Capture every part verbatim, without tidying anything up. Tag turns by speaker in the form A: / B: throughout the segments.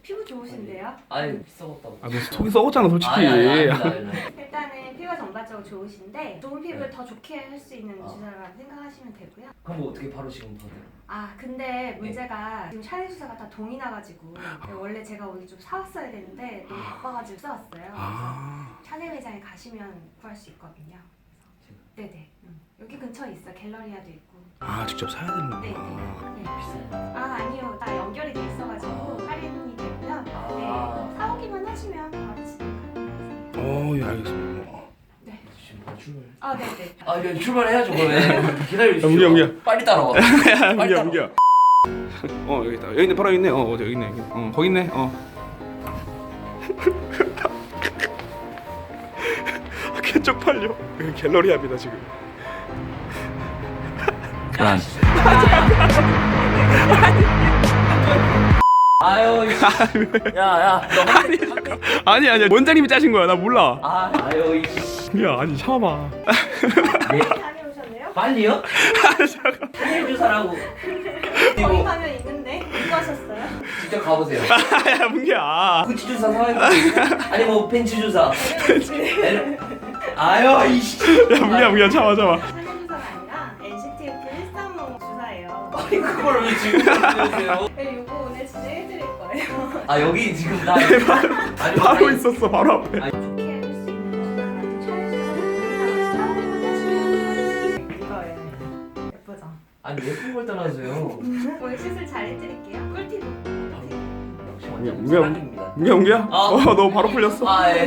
A: 피부 좋으신데요?
B: 아니 썩었다고.
C: 아, 너 속이 썩었잖아 솔직히.
B: 아니, 아니, 아니, 아니, 아니.
A: 일단은 피부가 전반적으로 좋으신데 좋은 피부를
B: 네.
A: 더 좋게 할 수 있는
B: 아.
A: 주사라고 생각하시면 되고요.
B: 그럼 뭐 어떻게 바로 지금 더 돼요?
A: 아 근데 문제가 지금 샤넬 주사가 다 동이 나가지고 원래 제가 오늘 좀 사왔어야 되는데 너무 바빠가지고 써왔어요.
C: 아.
A: 그래서 샤넬 매장에 가시면 구할 수 있거든요. 네네. 음. 여기 근처에 있어. 갤러리아도 있고.
C: 아 직접 사야 되는구나.
A: 네네. 네.
B: 비싸요?
A: 아 아니요. 다 연결이 돼 있어가지고 할인이 되고요.
B: 아.
A: 네. 사오기만 하시면 바로 진행 가능하세요.
C: 어, 예 알겠습니다.
A: 네.
B: 지금 바로 출발.
A: 아 네네.
B: 아 이제 출발해야죠 그러면. 기다려주시죠.
C: 야, 문기야, 문기야.
B: 빨리 따라와.
C: 야,
B: 빨리
C: 문기야,
B: 따라와.
C: 문기야. 어 여기 있다. 여기 있네. 바로 여기 있네. 어 어디 여기 있네. 여기. 어 거기 있네. 어. 개 쪽팔려. 여기 갤러리아입니다 지금.
B: 그만. 아유, 야야, 너
C: 아니, 아니 아니야. 원장님이 짜신 거야. 나 몰라.
B: 아, 아유, 이.
C: 야 아니 참아봐.
B: 네?
A: 다녀오셨네요?
B: 빨리요? 샤넬 주사라고.
A: 거기
B: 그리고
A: 가면 있는데 누구 하셨어요?
B: 직접 가보세요.
C: 야 문기야.
B: 구찌 주사 사와야 아니 뭐 벤츠 주사. 에? 아유, 이씨.
C: 야 문기야, 문기야 참아 참아.
A: 샤넬 주사가 아니라 엔씨티에프 일삼오 주사예요.
B: 아니 그걸 왜 지금 보여주세요?
A: 네, 요거 오늘 진행해드릴 거예요.
B: 아 여기 지금 나 아니
C: 바로
B: 아니,
C: 있었어 바로 앞에.
B: 아니,
A: 좋게 할 수 있는 주사라는 촬영주사를 사오기만 하시면 이거예요. 예쁘죠?
B: 아니 예쁜 걸 떠나서요.
A: 오늘 시술 잘 해드릴게요. 꿀팁.
B: 역시 완전
C: 문기야,
B: 사랑입니다.
C: 문기야, 문기야.
B: 아.
C: 어너 바로 풀렸어.
B: 아 예.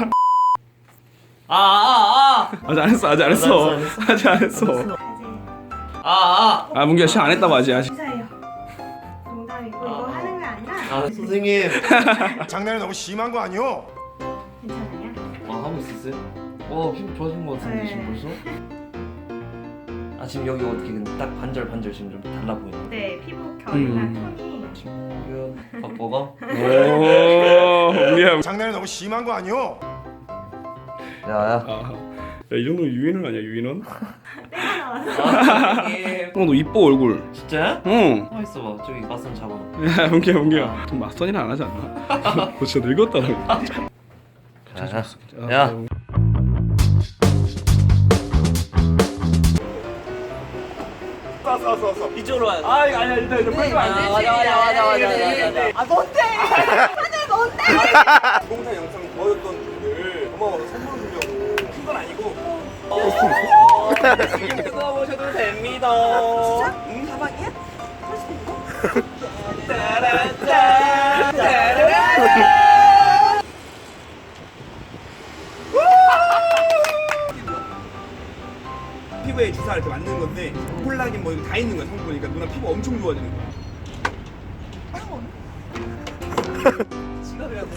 B: 아, 아, 아.
C: 아직 안 했어, 아직 안 했어.
B: 안 했어,
C: 아직 안 했어.
A: 이제
B: 아, 아.
C: 아 문기야 시안 했다고 아직 아직.
A: 주사예요. 농담이고 이거
B: 아.
A: 하는 게 아니라
B: 아 선생님.
D: 장난이 너무 심한 거 아니오?
A: 괜찮아요?
B: 아 하고 있었어요? 어 피부 좋아진 것 같은데
A: 네.
B: 지금 벌써? 아 지금 여기 어떻게 근데 딱 반절 반절 지금 좀 달라 보이네.
A: 네, 피부 결이나
C: 음.
A: 톤이
B: 지금 박버가?
C: 오 문기야.
D: 장난이 너무 심한 거 아니오?
B: 야야.
C: 아, 야, 이 정도면 유인원 아니야 유인원?
A: 때가 나와서
B: 아 선생님.
C: 어 너 이뻐 얼굴.
B: 진짜야?
C: 응.
B: 가만 있어봐. 저기 맞선 잡아.
C: 야 문기야 문기야. 좀 맞선이는 안 하지 않나? 너 진짜 늙었다 너.
B: 야. 야.
C: 싸싸싸싸.
B: 이쪽으로 와야 돼.
C: 아 이거 아니야 일단 일단 빨리
B: 아,
C: 안
B: 맞아 맞아 맞아 맞아 맞아.
A: 아 뭔데? 하늘 뭔데?
C: 동영상 영상 보였던 분들 고마워서 선물 주려고 큰 건 아니고.
B: 지금 뜯어보셔도 됩니다.
A: 진짜?
C: 응?
A: 가방이야? 할 수 있어?
B: 짜란짠.
C: 피부에 주사 이렇게 맞는 건데 콜라겐 뭐 이거 다 있는 거야 성분이. 그러니까 누나 피부 엄청 좋아지는 거야.
B: 지갑이라도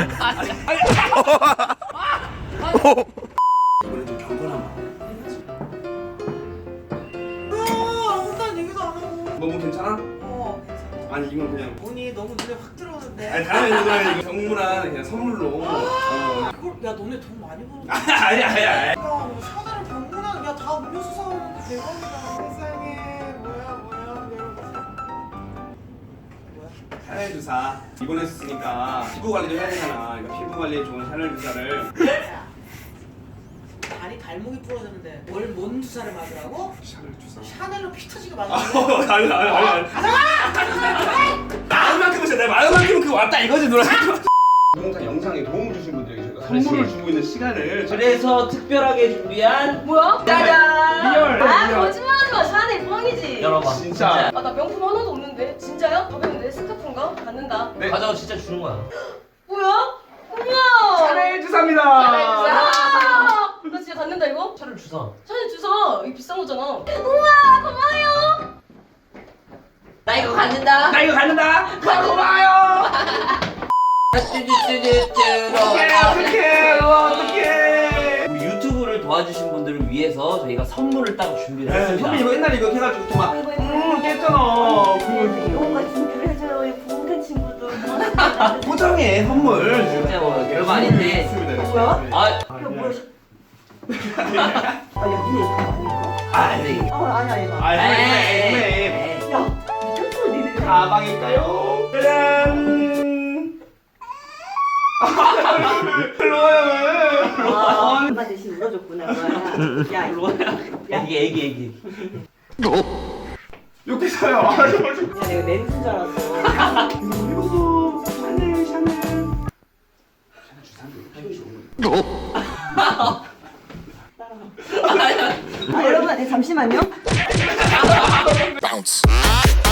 C: 이번에 좀 경건한 거.
E: 난 얘기도 안 하고.
C: 너무 괜찮아?
E: 어, 괜찮아.
C: 아니 이건 그냥
E: 돈이 너무 눈에 확 들어오는데.
C: 아니 다른 애들은 이거 정물한 그냥 선물로. 어.
E: 그걸 야 너네 돈 많이 버는.
C: 아니 아니 아니.
E: 야, 뭐 샤넬을 병문안 야다 음료수 사오는데 대박이다. 세상에 뭐야 뭐야 이러면서. 뭐야?
C: 샤넬 주사 입원했으니까 피부 관리도 해야 되잖아. 그러니까 피부 관리에 좋은 샤넬 주사를.
E: 야, 다리 발목이 부러졌는데 뭘 뭔 주사를 맞으라고?
C: 샤넬 주사.
E: 샤넬로 피 터지게
C: 아,
E: 맞으라고?
C: 아니 아니 아니. 가져가! 마음만큼은 진짜 내 마음만큼은 그거 왔다 이거지 누나. 동영상 영상에 도움을 주신 분들에게 저희가 선물을
B: 그렇지.
C: 주고 있는 시간을.
B: 그래서 특별하게 준비한
F: 뭐야?
B: 짜잔!
C: 리얼.
F: 아
C: 리얼.
F: 거짓말하지 마. 샤넬 뻥이지.
B: 열어봐.
C: 진짜.
F: 아 나 명품 하나도 없는데. 진짜요? 가봤는데 스카프인가? 받는다.
C: 네.
B: 가져가 진짜 주는 거야.
F: 뭐야? 우와.
C: 샤넬 주사입니다.
F: 아, 나 진짜 갖는다 이거?
B: 차를 주사.
F: 샤넬 주사. 이거 비싼 거잖아. 우와 고마워요.
B: 나 이거 갖는다.
C: 나 이거 갖는다. 고마워요.
B: 뚜뚜뚜뚜뚜.
C: 어떡해 어떡해.
B: 우리 유튜브를 도와주신 분들을 위해서 저희가 선물을 따로 준비를 했습니다.
C: 선배 이거 옛날에 이거 해가지고 또 막
F: 아이고,
C: 음 깼잖아.
F: 이런 거 준비를 해줘요. 이 부모된 친구들.
C: 포장해 선물.
B: 진짜 뭐 별거 아닌데.
C: 있습니다.
F: 뭐야?
B: 아,
F: 야 뭐야? 아야 니네 이거 아닐까?
B: 아, 네.
F: 아 아니야 이거.
C: 아,
B: 에이.
C: 선배.
F: 야 미쳤어 니네.
C: 가방일까요? 짜잔. 일로 와요 왜?
G: 아, 엄마 대신 울어줬구나. 뭐야. 야, 이거. 야,
B: 애기 애기 애기.
C: 욕했어요. 아, 저, 저.
G: 야, 내가 멘트인 줄 알았어.
C: 이거 샤넬 샤넬.
G: 아, 여러분, 네, 잠시만요.
D: Bounce.